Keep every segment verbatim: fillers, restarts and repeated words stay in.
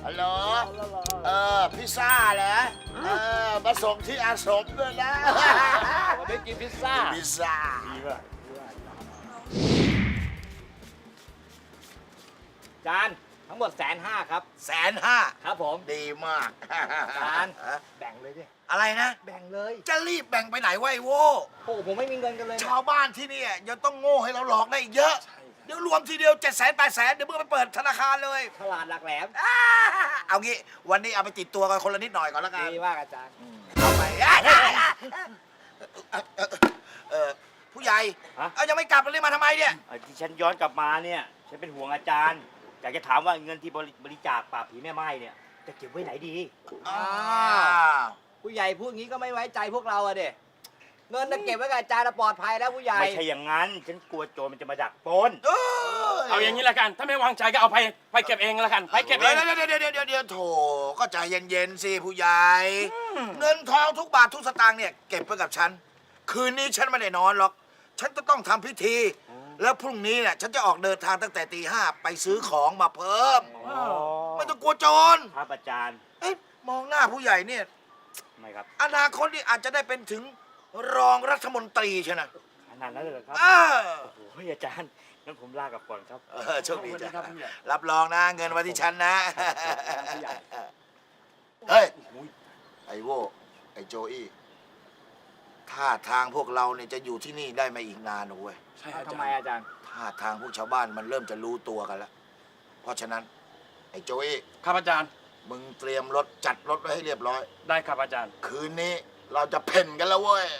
ฮัลโหลเออพิซซ่าเหรอเออมาส่งที่อาสมด้วยนะวันนี้กินพิซซ่าพิซซ่าดีป่ะจานทั้งหมดแสนห้าครับแสนห้าครับผมดีมากจานแบ่งเลยดิอะไรนะแบ่งเลยจะรีบแบ่งไปไหนวะไอ้โว้โอ้ผมไม่มีเงินกันเลยชาวบ้านที่นี่ยังต้องโง่ให้เราหลอกได้อีกเยอะ เดี๋ยวรวมทีเดียวเจ็ดแสนแปดแสนเดี๋ยวมึงไปเปิดธนาคารเลยฉลาดหลักแหลมอ่าเอางี้วันนี้เอาไปติดตัวกันคนละนิดหน่อยก่อนแล้วกันดีมากอาจารย์เอาไปเออผู้ใหญ่ฮะเอายังไม่กลับเลยมาทำไมเนี่ยเอ่อที่ฉันย้อนกลับมาเนี่ยฉันเป็นห่วงอาจารย์ อยากจะถามว่าเงินที่บริบริจาคปราบผีแม่ไม้เนี่ยจะเก็บไว้ไหนดีอ้าวผู้ใหญ่พูดงี้ก็ไม่ไว้ใจพวกเราอะเด็เงินจะเก็บไว้กับอาจารย์ปลอดภัยแล้วผู้ใหญ่ไม่ใช่อย่างนั้น ฉันกลัวโจรมันจะมาดักปล้นเอเอาอย่างนี้ละกัน ถ้าไม่วางใจก็เอาไปไปเก็บเองละกัน ไปเก็บเองเดี๋ยวเดี๋ยวเดี๋ยวเดี๋ยวเดี๋ยวโถก็ใจเย็นๆสิผู้ใหญ่เงินทองทุกบาททุกสตางค์เนี่ยเก็บไว้กับฉัน คืนนี้ฉันไม่ได้นอนหรอก ฉันจะต้องทำพิธี แล้วพรุ่งนี้เนี่ยฉันจะออกเดินทางตั้งแต่ตีห้าไปซื้อของมาเพิ่ม ไม่ต้องกลัวโจรครับอาจารย์เอ๊ะมองหน้าผู้ใหญ่เนี่ยไม่ครับอนาคตนี่อาจจะได้เป็นถึงรองรัฐมนตรีใช่ไหมขนาดนั้นเลยเหรอครับเออโอ้โหอาจารย์งั้นผมลากลับก่อนครับเออโชคดีจ้ะรับรองนะเงินไว้ที่ฉันนะ เฮ้ย ไอโวไอโจอี้ท่าทางพวกเราเนี่ยจะอยู่ที่นี่ได้ไม่อีกนานหนูเว้ยใช่เอาอาทำจารไมย์อาจารย์ท่าทางพวกชาวบ้านมันเริ่มจะรู้ตัวกันแล้ว เพราะฉะนั้น ไอโจอี้ครับอาจารย์มึงเตรียมรถจัดรถไว้ให้เรียบร้อยได้ครับอาจารย์คืนนี้เราจะเพ่นกันแล้วเว้ย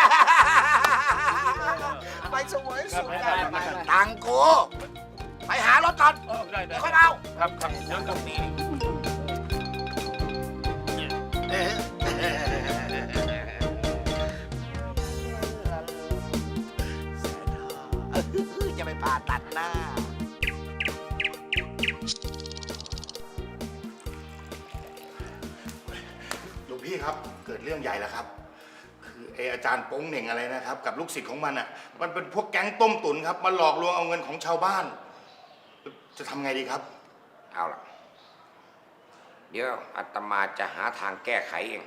ไปสวยสุดกันไปไปไปตังกู ไปหารถก่อนเออได้ได้เดี๋ยวค่อยเอาครับครับเดี๋ยวครับนี่จะไปผ่าตัดหน้าหลวงพี่ครับเกิดเรื่องใหญ่แล้วครับ คือไออาจารย์โป้งเหน่งอะไรนะครับ กับลูกศิษย์ของมันอ่ะมันเป็นพวกแก๊งต้มตุ๋นครับมาหลอกลวงเอาเงินของชาวบ้าน จะทำไงดีครับเอาล่ะ เดี๋ยวอาตมาจะหาทางแก้ไขเอง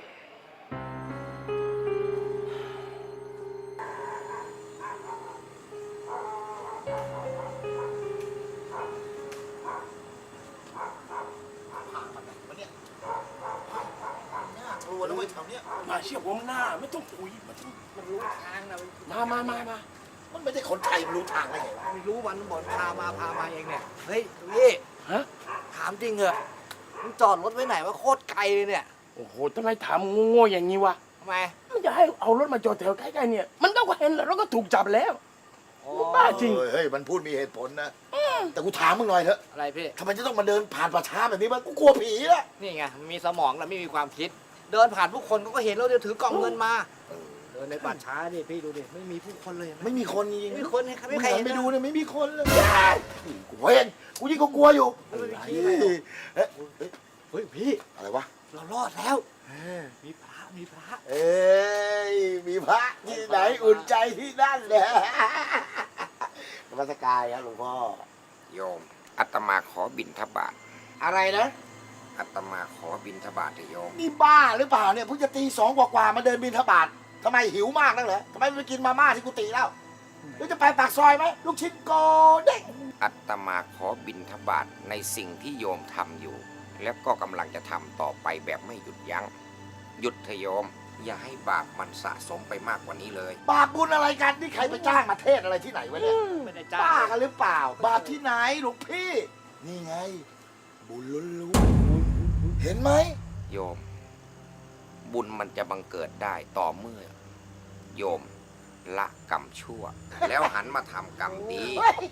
กลัวแล้วเว้ยแถวเนี้ยมาเชี่ยผมหน้าไม่ต้องคุยมันต้องมันรู้ทางนะมามามามามันไม่ใช่คนไทยมันรู้ทางได้ไงวะไม่รู้มันบอกพามาพามาเองเนี่ย เฮ้ยพี่ฮะถามจริงเหรอมึงจอดรถไว้ไหนว่าโคตรไกลเลยเนี่ยโอ้โหทำไมถามโง่ๆอย่างนี้วะทำไมมันจะให้เอารถมาจอดแถวใกล้ๆเนี่ย มันต้องเห็นแล้วเราก็ถูกจับแล้วอ๋อบ้าจริงเฮ้ยเฮ้ยมันพูดมีเหตุผลนะ แต่กูถามมึงหน่อยเถอะอะไรพี่ทำไมจะต้องมาเดินผ่านป่าช้าแบบนี้วะกูกลัวผีละนี่ไงมันมีสมองแล้วไม่มีความคิด เดินผ่านผู้คนก็เห็นแล้วเดี๋ยวถือกล่องเงินมา เดินในป่าช้าดิพี่ดูดิไม่มีผู้คนเลยเห็นไหมไม่มีคนจริงไม่มีคนให้ใครไม่ไม่ใครเห็เห็นนไปนะดูเนี่ยไม่มีคนเลยกูเห็นกูยิ่งก็กลัวอยู่ไม่มีขี้เฮ้ยเลยเอ๊ะเฮ้ยพี่อะไรวะเรารอดแล้วมีพระมีพระเอ้ยมีพระที่ไหนอุ่นใจที่นั่นเนี่ยนมัสการครับหลวงพ่อโยมอาตมาขอบิณฑบาตอะไรนะอาตมาขอบิณฑบาตเถอะโยมนี่บ้าหรือเปล่าเนี่ยเพิ่งจะตีสองกว่าๆมาเดินบิณฑบาตทำไมหิวมากนักเหรอทำไมไม่ไปกินมาม่าที่กุฏิแล้วหรือจะไปปากซอยไหมลูกชิ้นโกเด้งอาตมาขอบิณฑบาตในสิ่งที่โยมทำอยู่ แล้วก็กำลังจะทำต่อไปแบบไม่หยุดยัง้งหยุดเถอะโยม อย่าให้บาปมันสะสมไปมากกว่านี้เลยบาปบุญอะไรกันนี่ใครไปจ้างมาเทศอะไรที่ไหนวะเนี่ยไม่ได้จ้างบ้ากันหรือเปล่า บาปที่ไหนหลวงพี่ นี่ไง บุญล้วนๆเห็นไหมโยม บุญมันจะบังเกิดได้ต่อเมื่อ โยมละกรรมชั่ว แล้วหันมาทำกรรมดี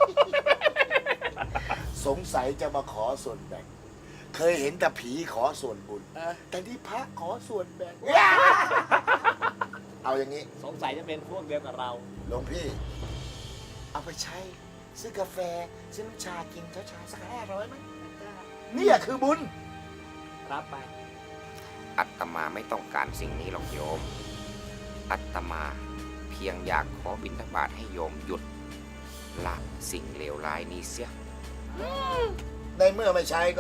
สงสัยจะมาขอส่วนแบ่ง เคยเห็นแต่ผีขอส่วนบุญเออแต่ที่พระขอส่วนแบ่ง เอาอย่างนี้สงสัยจะเป็นพวกเดียวกับเราหลวงพี่ เอาไปใช้ซื้อกาแฟซื้อน้ำชากินเช้าชาสักห้าร้อยไหมเนี่ยคือบุญรับไปอัตมาไม่ต้องการสิ่งนี้หรอกโยม อัตมาเพียงอยากขอบิณฑบาตให้โยมหยุดละสิ่งเลวร้ายนี้เสียในเมื่อไม่ใช้ก็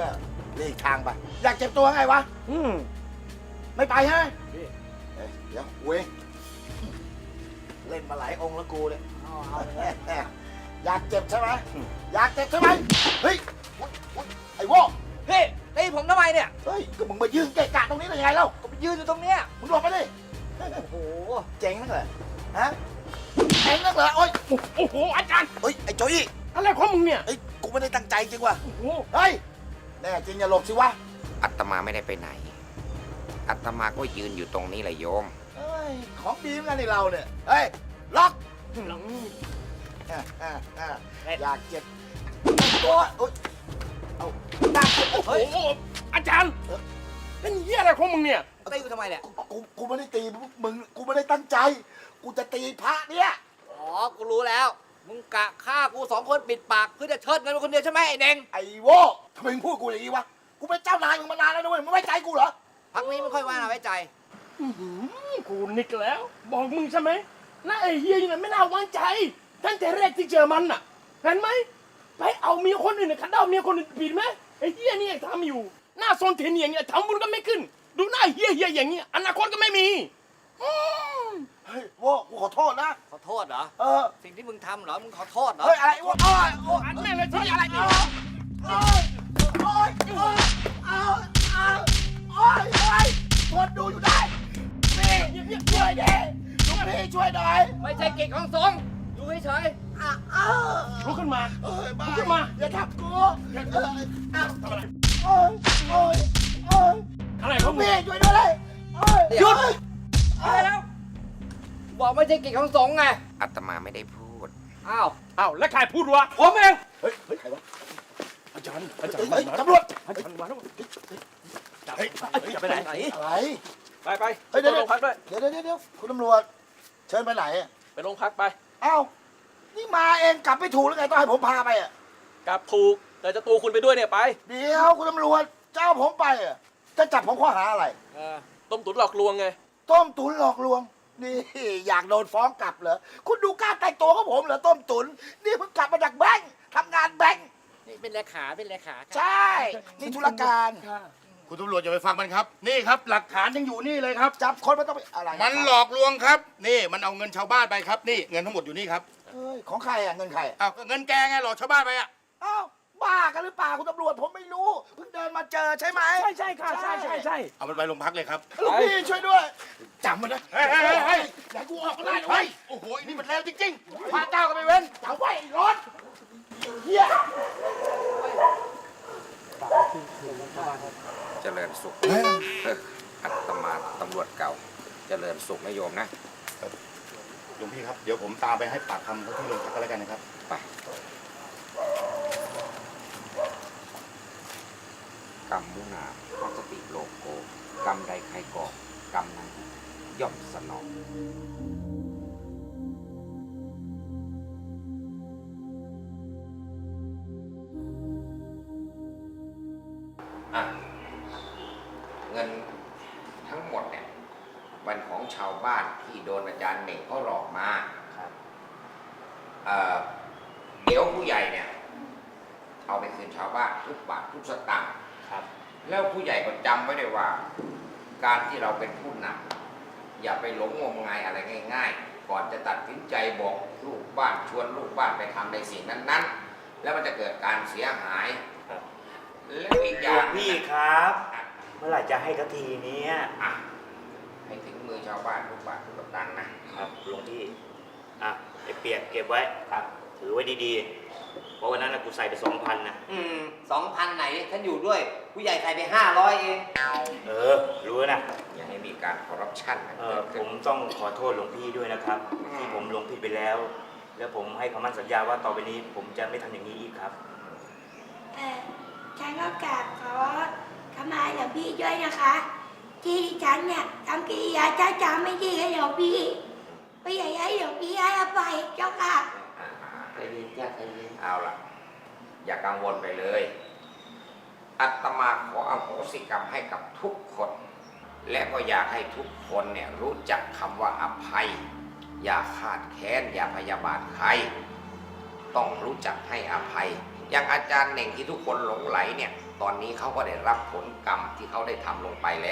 เลีกทางไป อยากเจ็บตัวไงวะอืมไม่ไปใช่ไหมพี่เอ้ยเดี๋ยวเว้ยเล่นมาหลายองค์แล้วกูเนี่ยเอาเอาอยากเจ็บใช่ไหมอยากเจ็บใช่ไหมเฮ้ยอุ๊ยอุ๊ยไอ้โว้พี่ตีผมทำไมเนี่ยเฮ้ยก็มึงมายืนเกะกะตรงนี้ได้ยังไงเล่าก็ไปยืนอยู่ตรงเนี้ยมึงหลบไปดิโอ้โหเจ๋งนักเหรอฮะเจ๋งนักเหรอโอ้ยโอ้โหอาจารย์เฮ้ยไอ้โจยี่อะไรของมึงเนี่ยเฮ้ยกูไม่ได้ตั้งใจจริงว่ะโอ้โหเฮ้ยแน่จริงอย่าหลบสิวะอัตมาไม่ได้ไปไหน อัตมาก็ยืนอยู่ตรงนี้แหละโยมเฮ้ยของดีเหมือนกันในเราเนี่ยเฮ้ยล็อกหลังอ่ะอ่ะอ่ะอยากเจ็บตัวโอ๊ยเอาตั้งโอ้โอ้โหอาจารย์เป็นเหี้ยอะไรของมึงเนี่ยตีกูทำไมเนี่ยกูกูไม่ได้ตีมึงกูไม่ได้ตั้งใจ กูจะตีพระเนี่ยอ๋อ กูรู้แล้ว มึงกะฆ่ากูสองคนปิดปากเพื่อจะเชิดเงินมึงคนเดียวใช่ไหมไอ้เน่งไอ้โว้ทำไมมึงพูดกูอย่างนี้วะกูเป็นเจ้านายมึงมานานแล้วนะเว้ยมึงไม่ใจกูเหรอพักนี้ไม่ค่อยว่าน่าไว้ใจอื้อหือกูนิกแล้ว บอกมึงใช่ไหมน่าไอ้เฮียนี่มันไม่น่าวางใจตั้งแต่แรกที่เจอมันน่ะเห็นไหมไปเอาเมียคนอื่นน่ะขัดเอาเมียคนอื่นผิดไหมไอ้เฮียนี่ยังทำอยู่หน้าโซนเทนอย่างเงี้ยทำบุญก็ไม่ขึ้น ดูหน้าเฮียเฮียอย่างเงี้ยอนาคตก็ไม่มีอืมเฮ้ยโว้กูขอโทษนะขอโทษเหรอเออสิ่งที่มึงทำเหรอ มึงขอโทษเหรอเฮ้ยอะไรโว้โอ้ยโอ้ยอันแม่งเลยที่อะไรเนี่ยโอ้ยโอ้ยโอ้ยเอาเอาโอ้ยโอ้ยคนดูอยู่ได้พี่ช่วยดิลูกพี่ช่วยหน่อยไม่ใช่กิจของสงฆ์อยู่เฉยอ่ะเอาลุกขึ้นมาเอ้ยบ้าลุกขึ้นมาอย่าทับกูอย่าเอ้ยเอาทำอะไรโอ้ยโอ้ยโอ้ยอะไรขลูองกมึงพี่ช่วยด้วยเลยโอ้ยหยุดๆอะไรแล้ว บอกไม่ใช่กิจของสงฆ์ไงอัตมาไม่ได้พูดอ้าวอ้าวแล้วใครพูดวะผมเองเฮ้ยเฮ้ยใครวะอาจารย์อาจารเฮ้ยย์เฮ้ยตำรวจอาจารย์มาแล้วเฮ้ยจะไปไหนอะไรไปไปเฮ้ยเดี๋ยวโรงพักด้วยเดี๋ยวเดี๋ยวเดี๋ยวคุณตำรวจเชิญไปไหนอะไปโรงพักไปเอ้านี่มาเองกลับไม่ถูกหรือไงต้องให้ผมพาไปอ่ะกลับถูกแต่จะตูคุณไปด้วยเนี่ยไปเดี๋ยวคุณตำรวจเจ้าผมไปอ่ะจะจับผมข้อหาอะไรเออต้มตุ๋นหลอกลวงไงต้มตุ๋นหลอกลวง นี่อยากโดนฟ้องกลับเหรอคุณดูกล้ารแต่งตัวของผมเหรอต้มตุ๋นนี่เพิ่งกลับมาจากแบงค์ทำงานแบงค์นี่เป็นเลขาเป็นเลขาใช่นี่ธุรการคุณตำรวจอย่าไปฟังมันครับ นี่ครับ หลักฐานยังอยู่นี่เลยครับจับคนมันต้องไปอะไรมันหลอกลวงครับ นี่มันเอาเงินชาวบ้านไปครับ นี่เงินทั้งหมดอยู่นี่ครับเอ้ยของใครอ่ะเงินใครอะอ้าวก็เงินแกไงหลอกชาวบ้านไปอ่ะเอ้าบ้ากันหรือเปล่าคุณตำรวจผมไม่รู้เพิ่งเดินมาเจอใช่ไหมใช่ใช่ค่ะใช่ใช่ใช่เอามันไปโรงพักเลยครับลูกพี่ช่วยด้วยจำมันนะเฮ้ยเฮ้ยเฮ้ยเฮ้ยอย่ากูออกก็ได้นะเฮ้เว้ยยโอ้โหนี่มันแล้วจริงๆพระเจ้าก็ไม่เว้นจับไว้ไอ้รถเฮียเจริญสุขเอออัตมาตำรวจเก่า เจริญสุขนะโยมนะหลวงพี่ครับ เดี๋ยวผมตามไปให้ปากคำเขาที่โรงพักกันแล้วกันนะครับไปกรรมมุนาวัสติโลโก กรรมใดใครก่อกรรมนั้นย่อมสนอง อ่ะ เงินทั้งหมดเนี่ยเป็นของชาวบ้านที่โดนอาจารย์เหน่งเขาหลอกมาครับเอ่อเดี๋ยวผู้ใหญ่เนี่ย เอาไปคืนชาวบ้านทุกบาททุกสตางค์ครับ แล้วผู้ใหญ่ก็จำไว้เลยว่า การที่เราเป็นผู้นำอย่าไปหลงงมงายอะไรง่าย ๆ ก่อนจะตัดสินใจบอกลูกบ้านชวนลูกบ้านไปทำในสิ่งนั้นๆ แล้วมันจะเกิดการเสียหายแล้วอีกอหลย่าว งงพี่ครับอ่ะเมื่อไหร่จะให้ทันทีเนี้ยอ่ะให้ถึงมือชาวบ้านทุกบาททุกสตางค์นะครับหลวงพี่อ่ะไอ้เปียกเก็บไว้ครับ ถือไว้ดีๆ เพราะวันนั้นนะกูใส่ไปสองพันนะอืมสองพันไหนฉันอยู่ด้วย ผู้ใหญ่ใส่ไปห้าร้อยเองเออ รู้นะอย่าให้มีการคอร์รัปชันเออผมต้องขอโทษหลวงพี่ด้วยนะครับ ที่ผมลงผิดไปแล้ว แล้วผมให้คำมั่นสัญญาว่าต่อไปนี้ ผมจะไม่ทำอย่างนี้อีกครับแต่ฉันก็กราบขอขมาหลวงพี่ด้วยนะคะ ที่ฉันเนี่ยทำกิริยาจ้าจ้าไม่ดีให้หลวงพี่ไม่อยากให้หลวงพี่ให้อภัยเจ้าค่ะใจเย็นจ้าใจเย็นเอาล่ะ อย่ากังวลไปเลย อัตมาขออโหสิกรรมให้กับทุกคน และก็อยากให้ทุกคนเนี่ยรู้จักคำว่าอภัย อย่าขาดแค้นอย่าพยาบาทใคร ต้องรู้จักให้อภัย อย่างอาจารย์เหน่งที่ทุกคนหลงไหลเนี่ยตอนนี้เขาก็ได้รับผลกรรมที่เขาได้ทำลงไปแล้ว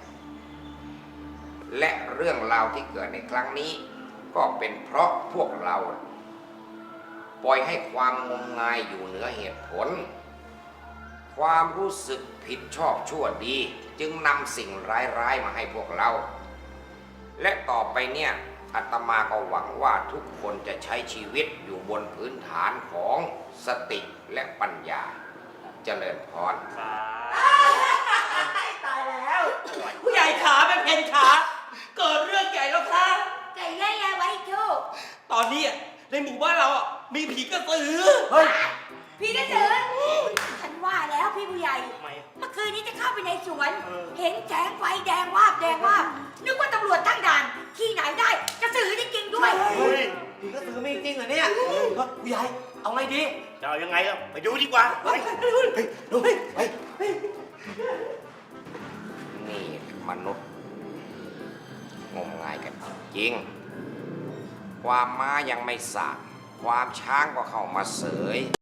และเรื่องราวที่เกิดในครั้งนี้ ก็เป็นเพราะพวกเรา ปล่อยให้ความงมงายอยู่เหนือเหตุผล ความรู้สึกผิดชอบชั่วดี จึงนำสิ่งร้ายๆมาให้พวกเรา และต่อไปเนี่ยอาตมาก็หวังว่าทุกคนจะใช้ชีวิตอยู่บนพื้นฐานของสติและปัญญาเจริญพรตายแล้ว ผู้ใหญ่ขาเป็นเพนขาเกิดเรื่องใหญ่แล้วค่ะไก่ย่ายไว้โชคตอนนี้อะในหมู่บ้านเราอ่ะมีผีกระสือเฮ้ยพี่กระสือฉันว่าแล้วพี่ผู้ใหญ่ทำไมอะเมื่อคืนนี้จะเข้าไปในสวนเออเห็นแสงไฟแดงวาบแดงวาบนึกว่าตำรวจตั้งด่าน ที่ไหนได้กระสือจริงๆด้วยเฮ้ยผีกระสือมีจริงเหรอเนี่ยเฮ้ยผู้ใหญ่ เอาไงดีจะเอายังไงล่ะไปดูดีกว่าไปดูเฮ้ยไปนี่มนุษย์งมงายกันจริง ความม้ายังไม่สาบความช้างก็เข้ามาเสย